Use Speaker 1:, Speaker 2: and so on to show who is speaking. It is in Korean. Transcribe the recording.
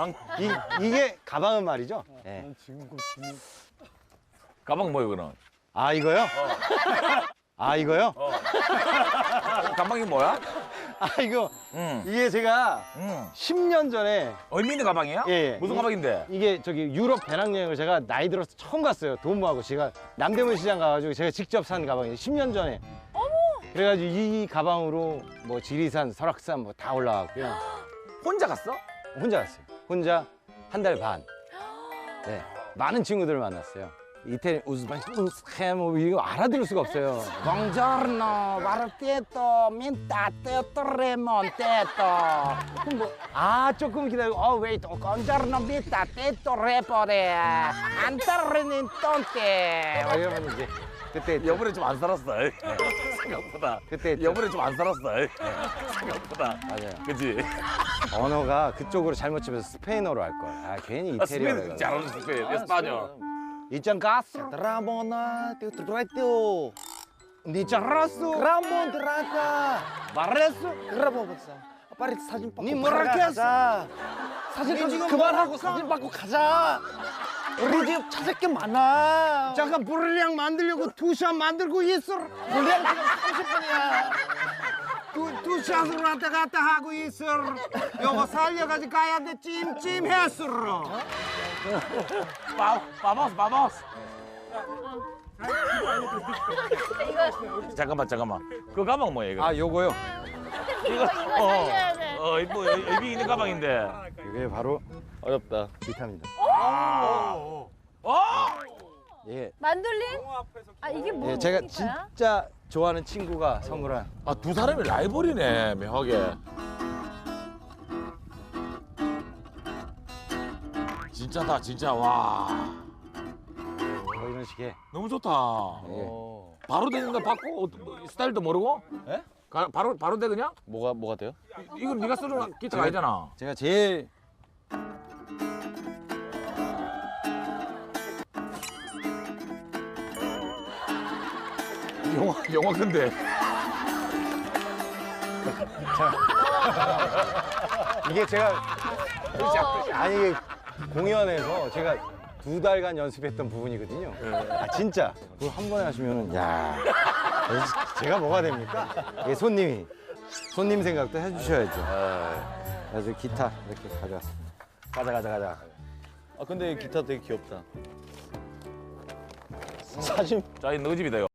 Speaker 1: 가방.
Speaker 2: 이게 가방은 말이죠. 예.
Speaker 3: 난 지금 그
Speaker 1: 가방 뭐예요, 그럼?
Speaker 2: 아 이거요? 아 이거요?
Speaker 1: 가방이 뭐야?
Speaker 2: 아 이거
Speaker 1: 응.
Speaker 2: 이게 제가
Speaker 1: 응.
Speaker 2: 10년 전에
Speaker 1: 의미 있는 가방이야?
Speaker 2: 예, 예.
Speaker 1: 무슨 가방인데?
Speaker 2: 이게 저기 유럽 배낭여행을 제가 나이 들어서 처음 갔어요. 돈모하고 제가 남대문 시장 가가지고 제가 직접 산 가방이에요. 10년 전에. 그래가지고 이 가방으로 뭐 지리산, 설악산 뭐 다 올라갔고요.
Speaker 1: 혼자 갔어?
Speaker 2: 혼자 갔어요. 혼자 한 달 반. 네, 많은 친구들을 만났어요. 이태리 우즈베키스탄 뭐 이거 알아들을 수가 없어요. Buongiorno, 마르테토, 민타테토, 레몬테토. 아 조금 기다리고, wait, buongiorno, 민타테토, 레포레, 안타르닌 똥테. 이러면 이제 그때
Speaker 1: 여분에 좀 안 살았어. 생각보다.
Speaker 2: 그때
Speaker 1: 여분에 좀 안 살았어. 생각보다.
Speaker 2: 맞아요.
Speaker 1: 그치?
Speaker 2: 언어가 그쪽으로 잘못 집어서 스페인어로 할 걸. 아 괜히
Speaker 1: 아,
Speaker 2: 이태리어로.
Speaker 1: 스페인 잘하는 스페인. 에스파뇰.
Speaker 2: 이천가스.
Speaker 3: Ramona, te trateo.
Speaker 2: 니차라스.
Speaker 3: Ramon terata.
Speaker 2: 마레스.
Speaker 3: 그러고 보자. 빨리 사진 받고
Speaker 2: 니 뭐라
Speaker 3: 가자.
Speaker 2: 했어?
Speaker 3: 사진
Speaker 2: 니 지금
Speaker 3: 그만하고
Speaker 2: 뭐-
Speaker 3: 사진 받고 가자. 우리 집 찾을 게 많아.
Speaker 2: 잠깐 브릴리앙 만들려고 투샷 만들고 있어.
Speaker 3: 물량 지금 30분이야.
Speaker 2: 투샷으로 왔다 갔다 하고 있어. 요거 살려가지고 가야 돼. 찜찜했어.
Speaker 1: 바보스. 잠깐만. 그 가방 뭐야, 이거?
Speaker 2: 아 요거요.
Speaker 4: 이거 살려야 돼.
Speaker 1: 뭐, 의미 있는 가방인데.
Speaker 2: 이게 바로
Speaker 1: 어렵다.
Speaker 2: 기타입니다. 예.
Speaker 4: 만돌린? 아 이게 뭐?
Speaker 2: 예, 제가
Speaker 4: 기타야?
Speaker 2: 진짜 좋아하는 친구가 선물한.
Speaker 1: 아, 두 사람이 라이벌이네, 묘하게. 진짜다, 진짜. 와.
Speaker 2: 뭐 이런 식의.
Speaker 1: 너무 좋다.
Speaker 2: 예.
Speaker 1: 바로 되는 거 받고 뭐, 스타일도 모르고?
Speaker 3: 예?
Speaker 1: 바로 돼 그냥?
Speaker 3: 뭐가 돼요?
Speaker 1: 이건 네가 쓰는 기타가 아니잖아.
Speaker 2: 제가 제일
Speaker 1: 영화 근데.
Speaker 2: 이게 제가 아니 이게 공연에서 제가 2달간 연습했던 부분이거든요. 아 진짜 그걸 한 번에 하시면은 야 제가 뭐가 됩니까? 이게 손님 생각도 해주셔야죠. 그래서 기타 이렇게 가져왔습니다. 가자.
Speaker 3: 아 근데 기타 되게 귀엽다.
Speaker 2: 사진
Speaker 1: 자, 이 너 집이다, 이거.